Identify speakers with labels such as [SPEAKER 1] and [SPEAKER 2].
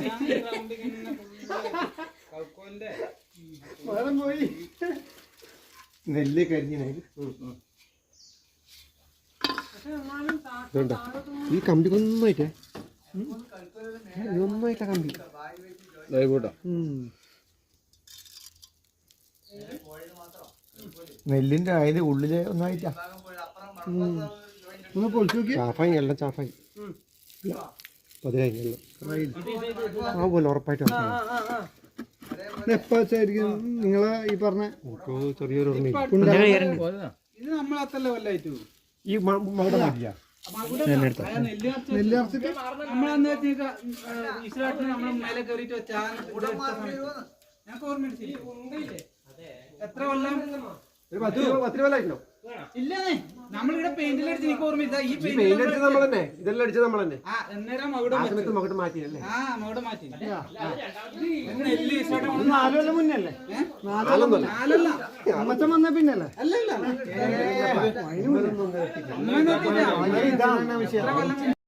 [SPEAKER 1] പോയി നെല്ല് കരിഞ്ഞ ഈ കമ്പി ഒന്നായിട്ടേ ഒന്നായിട്ടാ കമ്പി നെല്ലിന്റെ അതിന്റെ ഉള്ളില് ഒന്നായിട്ടാ ചാഫായി എല്ലാം ചാഫായി ഉറപ്പായിട്ട് എപ്പാച്ചായിരിക്കും നിങ്ങളെ ഈ പറഞ്ഞ ചെറിയൊരു ഈ മകുട മാറ്റിയാ എത്ര കൊല്ലം 10 കൊല്ലായിട്ടുണ്ടോ? ഇല്ലേ, നമ്മളിവിടെ പെയിന്റിലടിച്ച് എനിക്ക് ഓർമ്മയില്ല. ഈ പെയിന്റ് അടിച്ചത് നമ്മൾ തന്നെ, ഇതെല്ലാം അടിച്ചത് നമ്മൾ തന്നെ. മകുടം മാറ്റിയല്ലേ? മകുടം മാറ്റി. 4 കൊല്ലം മുന്നേ അല്ലേ? 4 അമ്മച്ചൻ വന്ന പിന്നല്ലേ? അല്ലല്ല, ഇതാണ് വിഷയം.